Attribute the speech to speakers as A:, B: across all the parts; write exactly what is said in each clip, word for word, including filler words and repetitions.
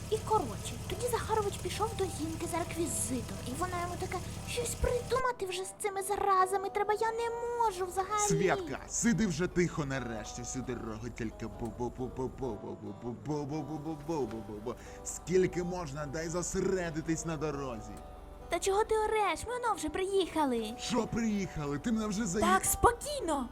A: І коротше, тоді Захарович пішов до жінки за реквізитом, і вона йому така, щось придумати вже з цими заразами треба, я не можу взагалі.
B: Святка, сиди вже тихо нарешті всю дорогу, тільки бу-бу-бу-бу-бу-бу-бу-бу-бу-бу-бу-бу-бу-бу. Скільки можна, дай зосередитись на дорозі.
A: Та чого ти ореш? Ми воно вже приїхали.
B: Що приїхали? Ти мене вже заїхав.
A: Так, спокійно.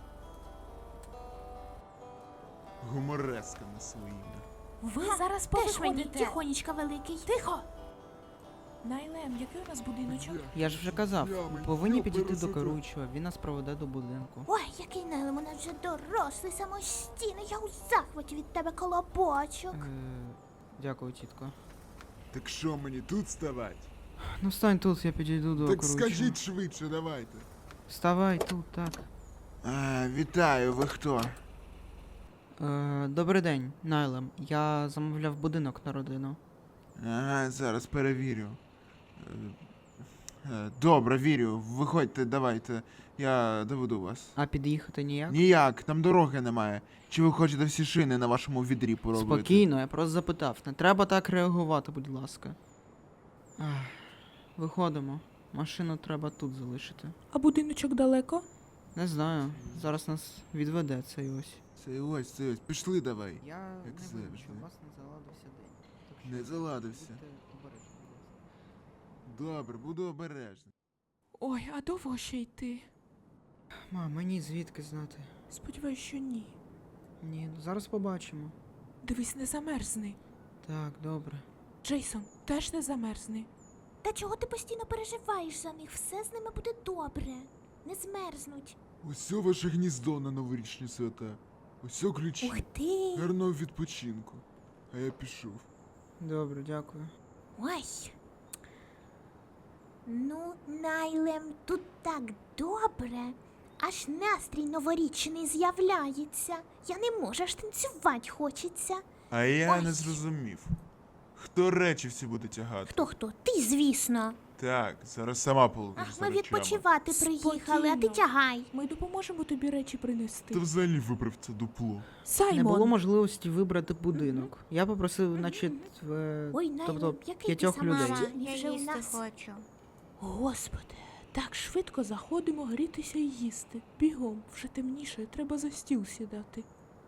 B: Гумореска на своїм.
C: Ви
A: Ха,
C: зараз
A: теж мені
C: повиходите.
A: тихонечка великий.
C: Тихо! Найлем, який у нас будиночок?
D: Я ж вже казав,
B: Я
D: ми
B: мені
D: повинні
B: що
D: підійти до
B: пересити?
D: керуючого, він нас проведе до будинку.
A: Ой, який Нелем, у нас вже дорослий, самостійний, я у захваті від тебе колобочок.
D: Е, дякую, тітко.
B: Так що мені тут ставать?
D: Ну стань тут, я підійду до
B: Так
D: керуючого.
B: скажіть швидше, давайте.
D: Вставай тут, так.
B: А, вітаю, ви хто?
D: Е, добрий день, Найлем. Я замовляв будинок на родину.
B: Ага, зараз перевірю. Е, е, Добре, вірю. Виходьте, давайте. Я доведу вас.
D: А під'їхати ніяк?
B: Ніяк, там дороги немає. Чи ви хочете всі шини на вашому відрі поробити?
D: Спокійно, я просто запитав. Не треба так реагувати, будь ласка. Ах, виходимо. Машину треба тут залишити.
C: А будиночок далеко?
D: Не знаю. Зараз нас відведе цей ось.
B: Це ось, це ось. Пішли давай.
D: Я
B: Як
D: не
B: завжди.
D: винен, що у вас не заладився день. Так що
B: Не заладився.
D: будьте обережні, будь ласка.
B: Добре, буду обережний.
C: Ой, а довго ще йти?
D: Мам, мені звідки знати?
C: Сподіваюсь, що ні.
D: Ні, ну зараз побачимо.
C: Дивись, не замерзни.
D: Так, добре.
C: Джейсон, теж не замерзни.
A: Та чого ти постійно переживаєш за них? Все з ними буде добре. Не змерзнуть.
B: Ось о ваше гніздо на новорічні свята. Ось о ключі.
A: Ух ти!
B: Гарного відпочинку. А я пішов.
D: Добре, дякую.
A: Ой. Ну, Найлем, тут так добре. Аж настрій новорічний з'являється. Я не можу, аж танцювати хочеться.
B: А я
A: Ой.
B: не зрозумів. Хто речі всі буде тягати?
A: Хто хто? Ти, звісно.
B: Так, зараз сама полетиш
A: Ах,
B: за
A: ми
B: речами.
A: відпочивати приїхали, а ти
C: Спокійно.
A: тягай.
C: Ми допоможемо тобі речі принести.
B: Та взагалі виправ це дупло.
D: Не
C: Саймон!
D: було можливості вибрати будинок. Я попросив, значить, в...
A: Ой, Найлем,
D: тобто
A: який ти
D: п'ятьох людей.
A: самостійний
E: Я
A: вже у
E: їсти
A: нас.
E: хочу.
C: Господи, так швидко заходимо грітися і їсти. Бігом, вже темніше, треба за стіл сідати.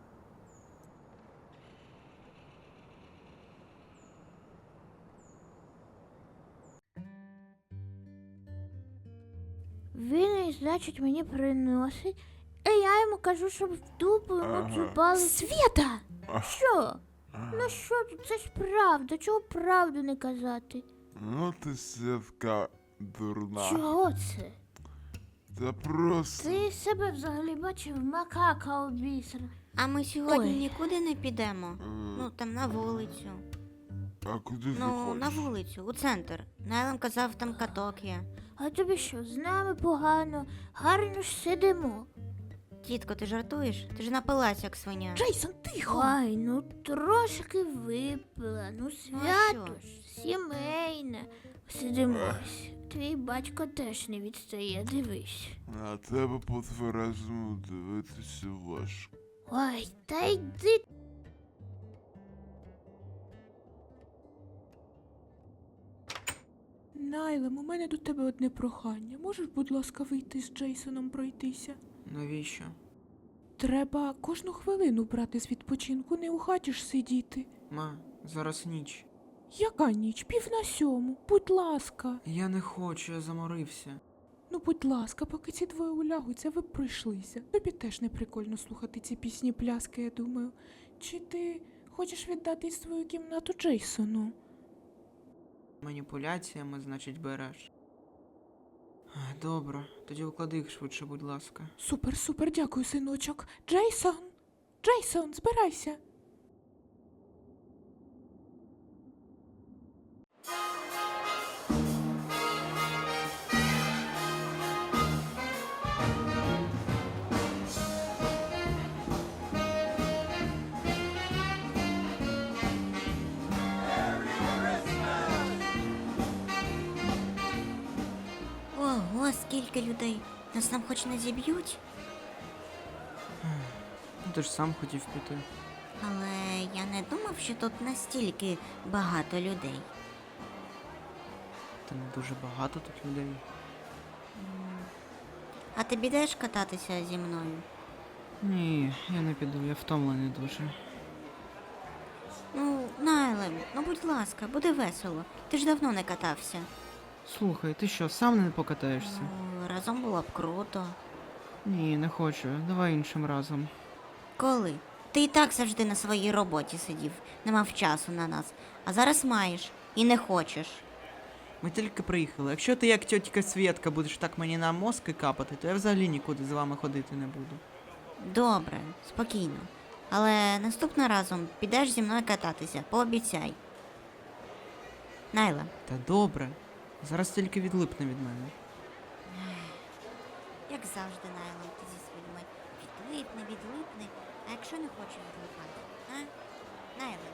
A: Він, значить, мені приносить, а я йому кажу, щоб в дупу йому
B: Ага.
A: цю палицю. Свята!
B: Ах.
A: Що? Ну що тут? Це ж правда, чого правду не казати?
B: Ну ти Святка дурна.
A: Чого це?
B: Та просто.
A: Ти себе взагалі бачив макака обісра.
E: А ми сьогодні
A: Ой.
E: нікуди не підемо.
B: Е,
E: Ну, там на вулицю.
B: А куди ти
E: Ну,
B: хочеш?
E: на вулицю, у центр. Найлем казав, там каток є.
A: А тобі що, з нами погано, гарно ж сидимо.
E: Тітко, ти жартуєш? Ти ж напилась, як свиня.
C: Джейсон, тихо!
A: Ой, ну трошки випила, ну свято
E: що?
A: ж, сімейне. Сидимось. Твій батько теж не відстає, дивись.
B: На тебе по-тверезому дивитися важко.
A: Ой, та йди.
C: Найлем, у мене до тебе одне прохання. Можеш, будь ласка, вийти з Джейсоном пройтися?
D: Навіщо?
C: Треба кожну хвилину брати з відпочинку, не у хаті ж сидіти.
D: Ма, зараз ніч.
C: Яка ніч? Пів на сьому. Будь ласка.
D: Я не хочу, я заморився.
C: Ну, будь ласка, поки ці двоє улягуться, ви б пройшлися. Тобі теж не прикольно слухати ці пісні пляски, я думаю. Чи ти хочеш віддати свою кімнату Джейсону?
D: Маніпуляціями, значить, береш. А, добре, тоді уклади їх швидше, будь ласка.
C: Супер, супер, дякую, синочок. Джейсон! Джейсон, збирайся!
E: Ого, скільки людей. Нас там хоч не зіб'ють?
D: Ну, ти ж сам хотів піти.
E: Але я не думав, що тут настільки багато людей.
D: Та не дуже багато тут людей.
E: А ти підеш кататися зі мною?
D: Ні, я не піду, я втомлений дуже.
E: Ну, Найлем, ну будь ласка, буде весело. Ти ж давно не катався.
D: Слухай, ти що, сам не покатаєшся?
E: Ну, разом було б круто.
D: Ні, не хочу. Давай іншим разом.
E: Коли? Ти і так завжди на своїй роботі сидів, не мав часу на нас. А зараз маєш і не хочеш.
D: Ми тільки приїхали. Якщо ти як тьотька Свєтка будеш так мені на мозки капати, то я взагалі нікуди з вами ходити не буду.
E: Добре, спокійно. Але наступного разом підеш зі мною кататися, пообіцяй. Найла,
D: Та добре. Зараз тільки відлипне від мене.
E: як завжди, Найла, ти зі своїми відлипне, відлипне, а якщо не хоче відлипати, а? Найла.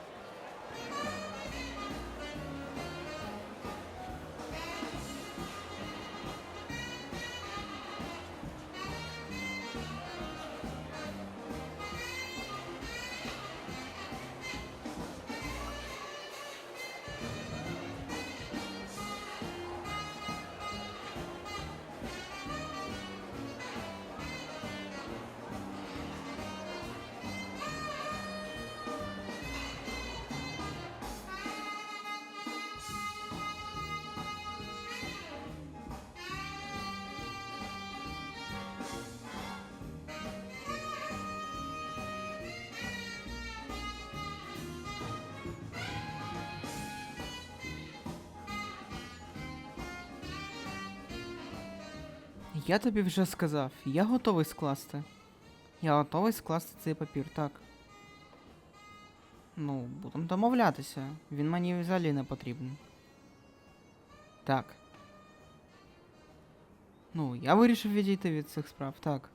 D: Я тобі вже сказав, я готовий скласти. Я готовий скласти цей папір, так. Ну, будемо домовлятися. Він мені взагалі не потрібен. Так. Ну, я вирішив відійти від цих справ, так.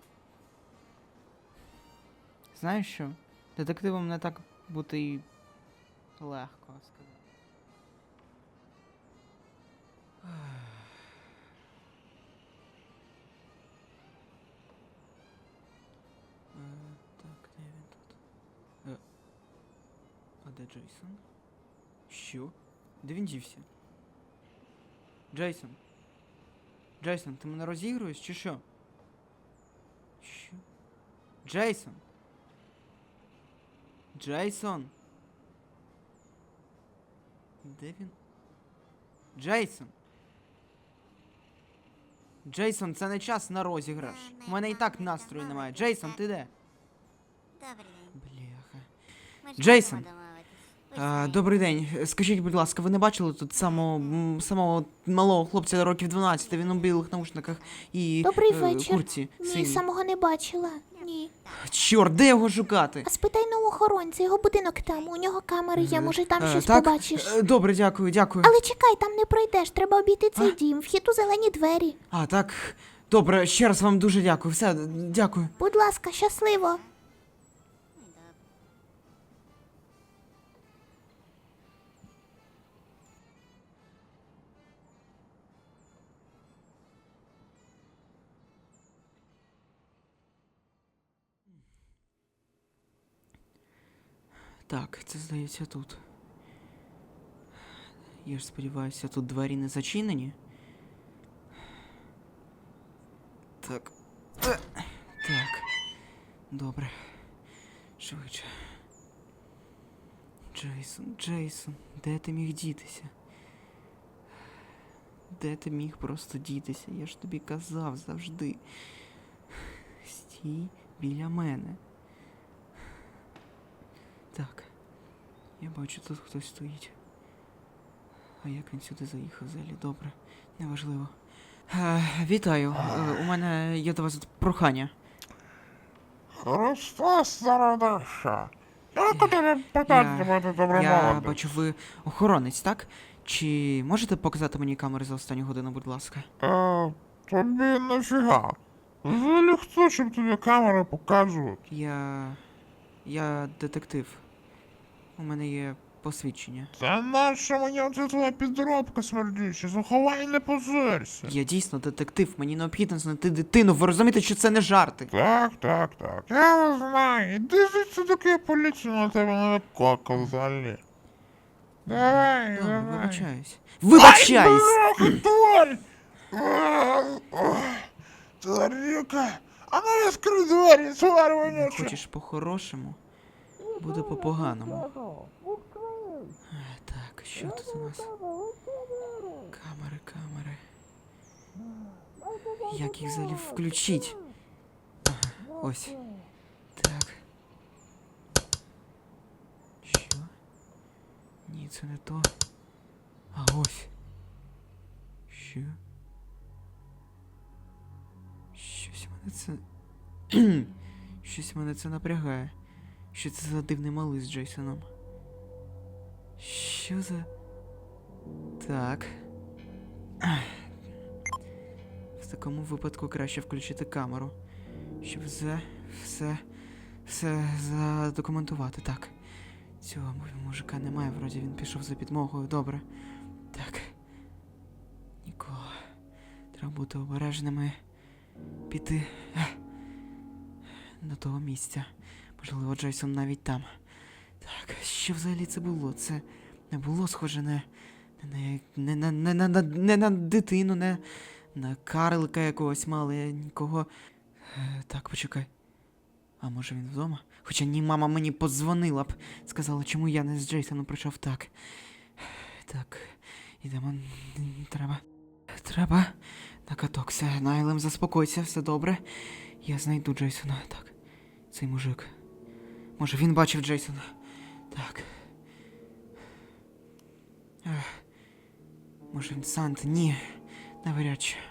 D: Знаєш що? Детективом не так бути і легко сказати. Е, Так, де він тут? Е, А де Джейсон? Що? Де він дівся? Джейсон? Джейсон, ти мене розігруєш чи що? Що? Джейсон? Джейсон? Де він? Джейсон? Джейсон, це не час на розіграш. У мене і так настрою немає. Джейсон, ти де?
E: Добрий день.
D: Бляха.
E: Ми ж
D: Джейсон.
E: можемо домовитись.
D: А,
E: Ось
D: добрий день. Скажіть, будь ласка, ви не бачили тут самого, м, самого малого хлопця років дванадцять, він у білих наушниках і
A: Добрий
D: е,
A: вечір.
D: курці
A: Ні,
D: синій.
A: самого не бачила. Ні.
D: Чорт, де його шукати?
A: А спитай на охоронця, його будинок там, у нього камери є, може там
D: Е,
A: щось
D: так?
A: побачиш.
D: Е, Добре, дякую, дякую.
A: Але чекай, там не пройдеш, треба обійти цей
D: А?
A: дім, вхід у зелені двері.
D: А, так. Добре, ще раз вам дуже дякую. Все, дякую.
A: Будь ласка, щасливо.
D: Так, це здається тут. Я ж сподіваюся, тут двері не зачинені. Так. Е, Так. Добре. Швидше. Джейсон, Джейсон, де ти міг дітися? Де ти міг просто дітися? Я ж тобі казав завжди. Стій біля мене. Так. Я бачу, тут хтось стоїть. А як він сюди заїхав взагалі? Добре, неважливо. Е, вітаю. Е, у мене є до вас прохання.
F: Христос зародився. Як у тебе питання буде
D: Я
F: добромовити?
D: бачу, ви охоронець, так? Чи можете показати мені камери за останню годину, будь ласка?
F: Е, тобі нафіга. Взагалі хто, щоб тобі камери показувати?
D: Я. Я детектив. У мене є посвідчення.
F: Та наша мені оце твоя підробка смердюча, заховай, не позорься.
D: Я дійсно детектив, мені необхідно знайти дитину. Ви розумієте, що це не жарти?
F: Так, так, так, я не знаю. Іди звідси, доки я поліцію на тебе не викликав взагалі. Давай,
D: Добре,
F: давай.
D: вибачаюсь. Вибачаюсь!
F: Ай, бляха, тварь! Тварюка! А ну відкрий двері, тварь вонюча!
D: Хочеш по-хорошому? Буде по-поганому. Е, Так, що тут у нас? Камери, камери. Як їх взагалі включить? Ага, ось. Так. Що? Ні, це не то. А ось. Що? Щось мене це. Щось мене це напрягає. Що це за дивний малий з Джейсоном? Що за. Так. В такому випадку краще включити камеру. Щоб все, все, все задокументувати. Так. Цього му- мужика немає, вроді він пішов за підмогою. Добре. Так. Нікого. Треба бути обережними. Піти ех, до того місця. Можливо, Джейсон навіть там. Так, що взагалі це було? Це не було схоже на. Не, не, не, не, не, не, не на дитину, не на карлика якогось мали, нікого. Е, так, почекай. А може він вдома? Хоча ні, мама мені подзвонила б. Сказала, чому я не з Джейсоном прийшов так. Так, ідемо. Треба. Треба. На каток. Все, Найлем, заспокойся, все добре. Я знайду Джейсона. Так. Цей мужик. Може він бачив Джейсона. Так. Ех. Може він Санта? Ні. Навряд чи.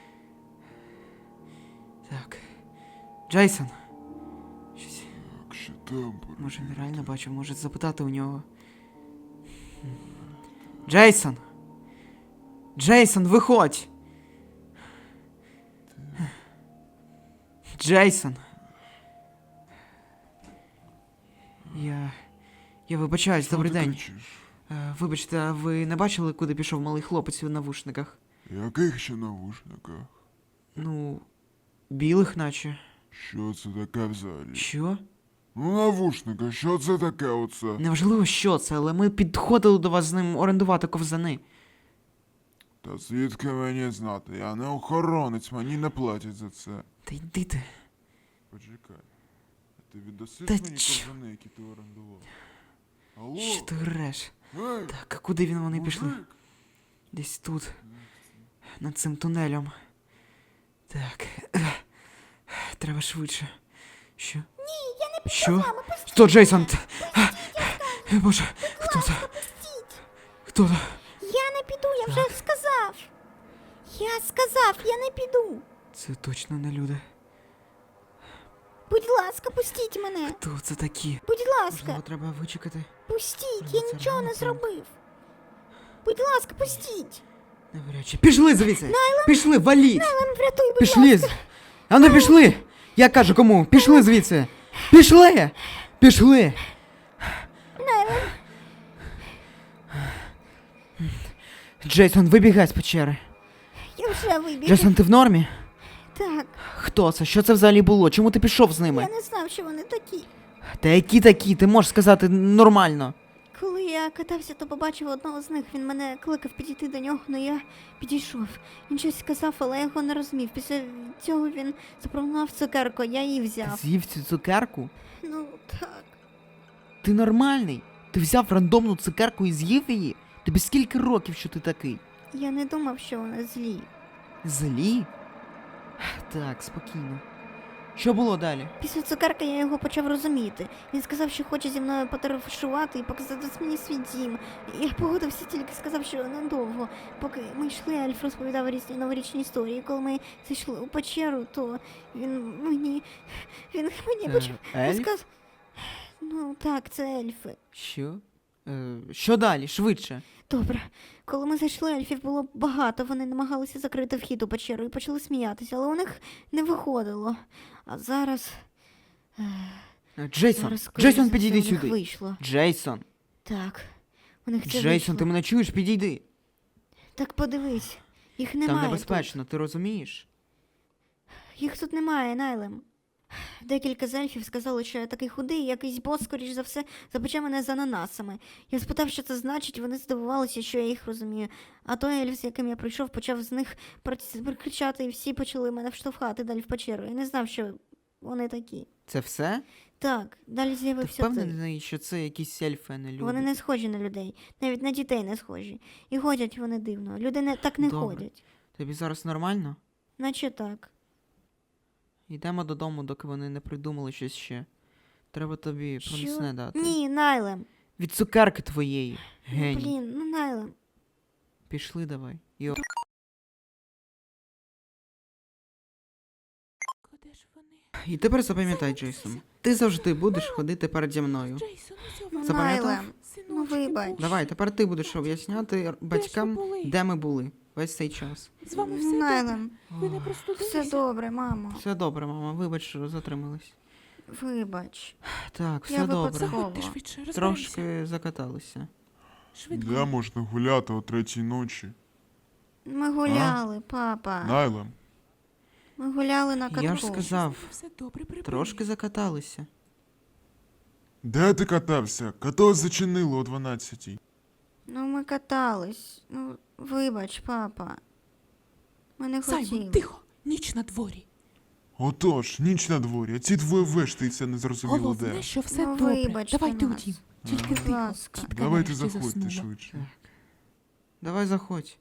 D: Так. Джейсон. Щось.
B: Так, що там?
D: Може він реально бачив, може запитати у нього. Хм. Джейсон! Джейсон, виходь! Джейсон! Я... Я вибачаюсь, добрий
B: Що ти
D: день.
B: кричиш?
D: Е, Вибачте, а ви не бачили, куди пішов малий хлопець у навушниках?
B: Яких ще навушниках?
D: Ну, білих наче.
B: Що це таке взагалі?
D: Що?
B: Ну, навушники, що це таке оце?
D: Неважливо, що це, але ми підходили до вас з ним орендувати ковзани.
B: Та звідки мені знати? Я не охоронець, мені не платять за це.
D: Та йди ти.
B: Почекай. А ти віддаси
D: Та
B: мені
D: чо?
B: ковзани, які ти орендував? Алло?
D: Що ти греш?
B: Ей,
D: Так, а куди він вони пішли?
B: мужик!
D: Десь тут. Над цим тунелем. Так. Треба швидше. Що? Ні, я не піду що? з вами, Хто Джейсон? Боже, хто це? Хто це?
E: Я не піду, я вже сказав. Я сказав, я не піду.
D: Це точно не люди.
E: Будь ласка, пустіть мене.
D: Хто це такі?
E: Будь
D: Можливо,
E: ласка,
D: треба вичекати.
E: пустіть,
D: Ну,
E: я
D: це
E: нічого не
D: реально
E: зробив. Будь ласка, пустіть.
D: Навряд чи. Пішли звідси! Пішли, валіть!
E: Нам врятуй, будь
D: Пішли!
E: ласка.
D: з- А ну пішли! Я кажу кому? Пішли звідси! Пішли! Пішли! Джейсон, вибігай з печери.
E: Я вже вибіг.
D: Джейсон, ти в нормі?
E: Так,
D: Хто це? Що це взагалі було? Чому ти пішов з ними?
E: я не знав, що вони такі.
D: Та які такі? Ти можеш сказати нормально.
E: Коли я катався, то побачив одного з них. Він мене кликав підійти до нього, але я підійшов. Він щось сказав, але я його не розумів. Після цього він запропонував цукерку, я її
D: Ти
E: взяв.
D: з'їв цю цукерку?
E: Ну, так.
D: Ти нормальний? Ти взяв рандомну цукерку і з'їв її? Тобі скільки років, що ти такий?
E: Я не думав, що вони злі.
D: Злі? Так, спокійно. Що було далі?
E: Після цукерки я його почав розуміти. Він сказав, що хоче зі мною потарифушувати і показати мені свій дім. Я погодився, тільки сказав, що недовго. Поки ми йшли, Альф розповідав різні новорічні історії. Коли ми зайшли у печеру, то він мені. Він мені почав
D: Е, Ельф?
E: розказ... Ну так, це ельфи.
D: Що? Е, що далі? Швидше.
E: Добре. Коли ми зайшли, ельфів було багато, вони намагалися закрити вхід у печеру і почали сміятися, але у них не виходило. А зараз.
D: Е, Джейсон,
E: зараз скоріше
D: Джейсон,
E: за все,
D: підійди
E: у них
D: сюди.
E: Вийшло.
D: Джейсон,
E: Так. У них це
D: Джейсон,
E: вийшло.
D: ти мене чуєш? Підійди.
E: Так подивись, їх
D: Там
E: немає
D: небезпечно, ти розумієш?
E: тут. Їх тут немає, Найлем. Декілька з ельфів сказали, що я такий худий, і якийсь бос, скоріш за все, запече мене з ананасами. Я спитав, що це значить, вони здивувалися, що я їх розумію. А той ельф, з яким я прийшов, почав з них кричати, і всі почали мене вштовхати далі в печеру. Я не знав, що вони такі.
D: Це все?
E: Так, далі
D: Ти
E: з'явився ти.
D: впевнений, що це якісь ельфи, а не люди?
E: Вони не схожі на людей, навіть на дітей не схожі. І ходять вони дивно. Люди не, так не
D: Добре.
E: ходять.
D: Тобі зараз нормально?
E: Наче так.
D: Йдемо додому, доки вони не придумали щось ще. Треба тобі
E: Що?
D: пронесне дати.
E: Ні, Найлем.
D: Від цукерки твоєї.
E: Ну,
D: Геній.
E: блін, ну Найлем.
D: Пішли давай. Йо.
C: Куди ж вони?
D: І тепер запам'ятай, Джейсон. Ти завжди будеш ходити переді мною.
C: Джейсон, ось
E: Ну,
D: Запам'ятав?
E: Найлем. Ну, вибач.
D: Давай, тепер ти будеш об'ясняти батькам,
C: були?
D: де ми були весь цей час.
C: З вами все добре?
E: Найлем.
C: Ви не простудилися?
E: Все добре, мамо.
D: Все добре, мама, вибач, що затримались.
E: Вибач.
D: Так, все
E: Я
D: добре.
E: випадково.
C: Заходьте швидше, розберемося.
D: Трошки закаталися.
C: Швидко.
F: Де можна гуляти о третій ночі?
E: Ми гуляли, папа.
F: Найлем,
E: Ми гуляли на катку.
D: Я ж сказав,
C: Все добре, припини.
D: трошки закаталися.
F: де ти катався? Каток зачинило о дванадцятій.
E: Ну, ми катались. Ну, вибач, папа. Ми не
C: Саймон,
E: хотіли.
C: тихо, ніч на дворі.
F: Отож, ніч на дворі, а ці двоє вештаються незрозуміло
C: Головне,
F: де.
C: що все
E: Ну,
C: добре.
E: вибачте
C: Давайте у
E: нас.
C: дім. Тільки
E: Будь
C: тихо.
E: ласка.
C: Тітка
F: Давайте
C: нарешті
F: заходьте
C: заснула.
F: швидше.
D: Давай заходь.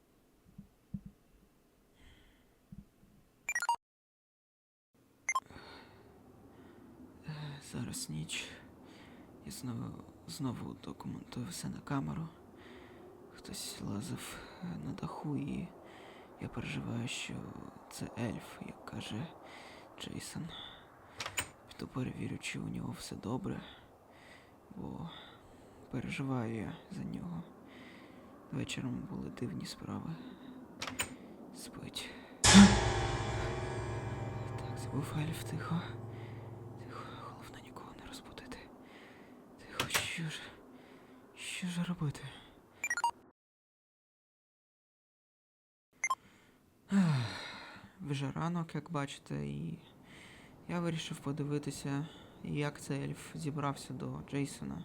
D: Е, Зараз ніч. Я знову, знову документую все на камеру. Хтось лазив е, на даху, і я переживаю, що це ельф, як каже Джейсон. Піду перевірю, чи у нього все добре, бо переживаю я за нього. Вечором були дивні справи. Спить. Так, це був ельф, тихо. Тихо, головне нікого не розбудити. Тихо, що ж. Що ж робити? Ах, вже ранок, як бачите, і я вирішив подивитися, як цей ельф зібрався до Джейсона.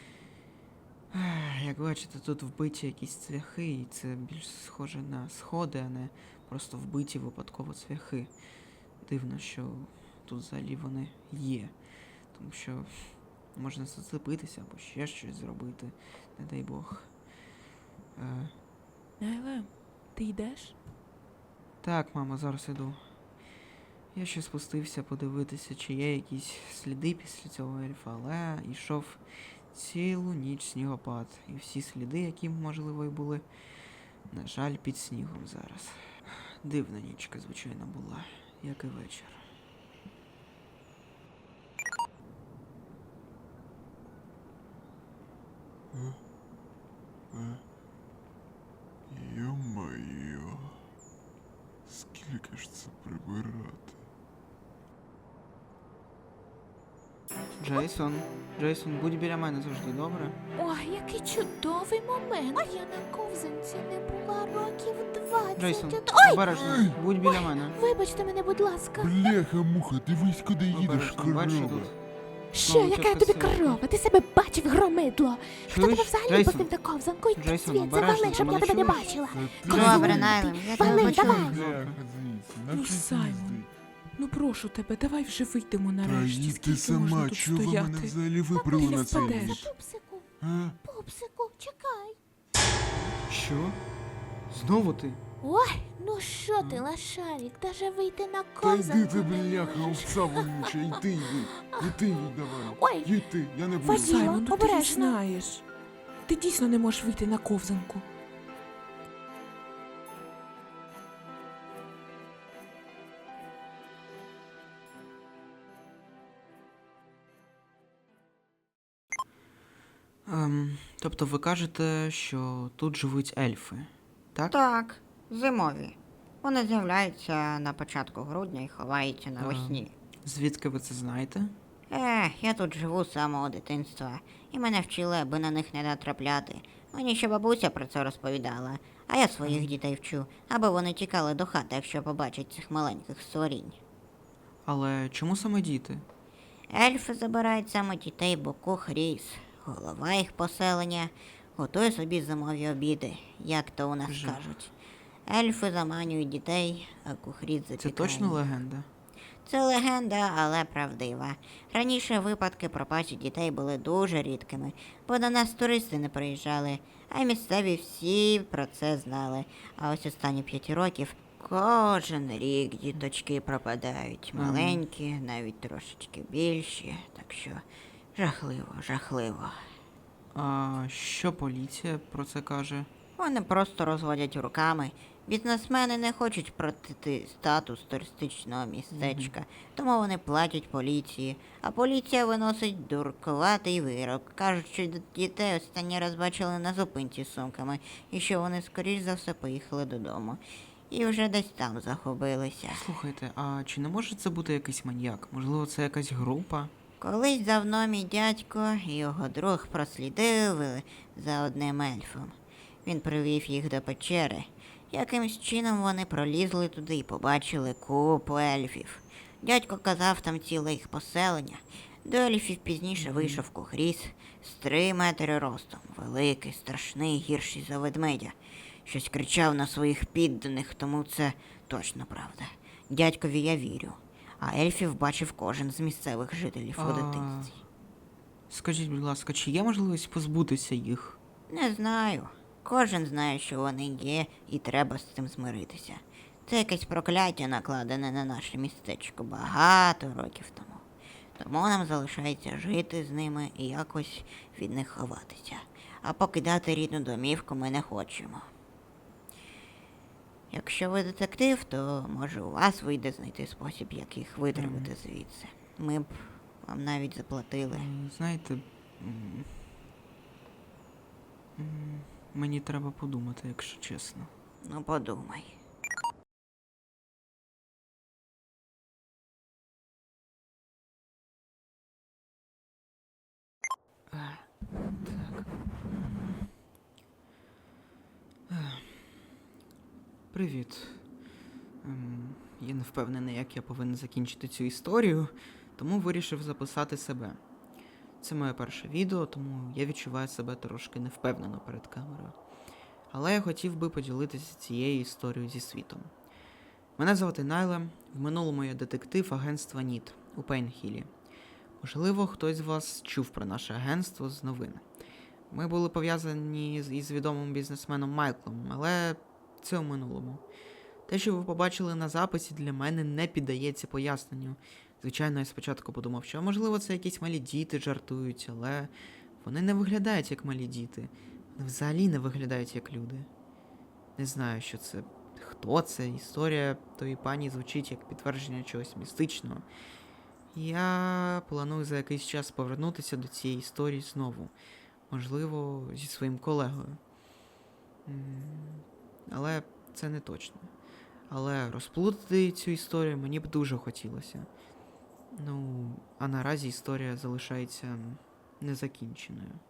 D: Ех, Як бачите, тут вбиті якісь цвяхи, і це більш схоже на сходи, а не просто вбиті випадково цвяхи. Дивно, що тут взагалі вони є. Тому що можна зацепитися або ще щось зробити, не дай Бог. Е,
C: Найлем, ти йдеш?
D: так, мама, зараз іду. Я ще спустився подивитися, чи є якісь сліди після цього ельфа, але йшов цілу ніч снігопад. І всі сліди, які, можливо, і були, на жаль, під снігом зараз. Дивна нічка, звичайно, була, як і вечір.
F: Йо-моє, скільки ж це прибирати?
D: Джейсон, Джейсон, будь біля мене завжди, добре?
A: Ой, який чудовий момент. Я на ковзанці не була років двадцять.
D: Джейсон,
A: Ой,
D: обережно, будь біля мене.
A: вибачте мене, будь ласка.
F: Бляха-муха, дивись, куди їдеш,
D: Обережно, бачиш,
F: корова.
D: тут.
A: Що,
D: знову
A: яка
D: тітка
A: тобі
D: Сильва.
A: корова? Ти себе бачив, громидло? Хто тебе
D: Чуєш,
A: взагалі
D: Джейсон?
A: пустив на ковзанку? Йди
D: Джейсон,
A: звідси,
D: обережно,
A: вали,
D: ти
A: щоб я
D: мене
A: тебе не
D: чуєш?
A: бачила.
F: Та
A: Козу,
E: Добре,
A: ти
E: Найлем, я тебе
A: вали,
E: почула.
A: давай.
F: Бляха звідси,
C: Ну,
F: нафіг
C: Саймон,
F: їздить.
C: Ну прошу тебе, давай вже вийдемо
F: Та
C: нарешті.
F: їдь
C: Скільки
F: ти
C: можна
F: сама,
C: тут
F: чого ви
C: стояти?
F: мене взагалі вибрали
C: ти
F: на цей
C: впадеш.
F: ніч?
A: Пупсику,
F: А?
A: пупсику, чекай.
D: Що? Знову ти?
A: Ой, ну що ти, лошарик, даже вийти на
F: Та
A: ковзанку
F: йди ти,
A: не
F: бляха,
A: можеш.
F: овца вонюча, йди, йди. Іди, їдь давай.
A: Ой.
F: Їдь ти, я не буду.
A: Вадим.
C: Саймон, ну ти ж
A: Обережно.
C: знаєш. Ти дійсно не можеш вийти на ковзанку.
D: Ем, тобто ви кажете, що тут живуть ельфи, так?
G: Так, зимові. Вони з'являються на початку грудня і ховаються навесні.
D: Звідки ви це знаєте?
G: Е, я тут живу з самого дитинства, і мене вчили, аби на них не натрапляти. Мені ще бабуся про це розповідала, а я своїх дітей вчу, аби вони тікали до хати, якщо побачать цих маленьких створінь.
D: Але чому саме діти?
G: Ельфи забирають саме дітей, бо Кухріс, голова їх поселення, готує собі зимові обіди, як то у нас
D: Жах.
G: кажуть. Ельфи заманюють дітей, а Кухріс запікає.
D: Це точно
G: їх.
D: легенда?
G: Це легенда, але правдива. Раніше випадки пропажі дітей були дуже рідкими, бо до нас туристи не приїжджали, а й місцеві всі про це знали. А ось останні п'ять років кожен рік діточки пропадають.
D: Ага.
G: Маленькі, навіть трошечки більші. Так що жахливо, жахливо.
D: А що поліція про це каже?
G: Вони просто розводять руками. Бізнесмени не хочуть протити статус туристичного містечка, тому вони платять поліції, а поліція виносить дуркуватий вирок. Кажуть, що д- дітей останній раз бачили на зупинці з сумками, і що вони скоріш за все поїхали додому. І вже десь там загубилися.
D: Слухайте, а чи не може це бути якийсь маньяк? Можливо, це якась група?
G: Колись давно мій дядько і його друг прослідили за одним ельфом. Він привів їх до печери. Якимсь чином вони пролізли туди і побачили купу ельфів. Дядько казав, там ціле їх поселення. До ельфів пізніше вийшов Кухріс з три метри ростом, великий, страшний, гірший за ведмедя. Щось кричав на своїх підданих, тому це точно правда. Дядькові я вірю. А ельфів бачив кожен з місцевих жителів у
D: А.
G: дитинстві.
D: Скажіть, будь ласка, чи є можливість позбутися їх?
G: Не знаю. Кожен знає, що вони є, і треба з цим змиритися. Це якесь прокляття, накладене на наше містечко багато років тому. Тому нам залишається жити з ними і якось від них ховатися. А покидати рідну домівку ми не хочемо. Якщо ви детектив, то може у вас вийде знайти спосіб, як їх витримати звідси. Ми б вам навіть заплатили.
D: М, Знаєте, м, м, мені треба подумати, якщо чесно.
G: Ну подумай.
D: Так. Ех. Привіт. Ем, Я не впевнений, як я повинен закінчити цю історію, тому вирішив записати себе. Це моє перше відео, тому я відчуваю себе трошки невпевнено перед камерою. Але я хотів би поділитися цією історією зі світом. Мене звати Найла, в минулому я детектив агентства ніт у Пейнхілі. Можливо, хтось з вас чув про наше агентство з новин. Ми були пов'язані з- із відомим бізнесменом Майклом, але це у минулому. Те, що ви побачили на записі, для мене не піддається поясненню. Звичайно, я спочатку подумав, що можливо це якісь малі діти жартують, але вони не виглядають як малі діти. Вони взагалі не виглядають як люди. Не знаю, що це, хто це. Історія тої пані звучить як підтвердження чогось містичного. Я планую за якийсь час повернутися до цієї історії знову. Можливо, зі своїм колегою. М, Але це не точно. Але розплутати цю історію мені б дуже хотілося. Ну, а наразі історія залишається незакінченою.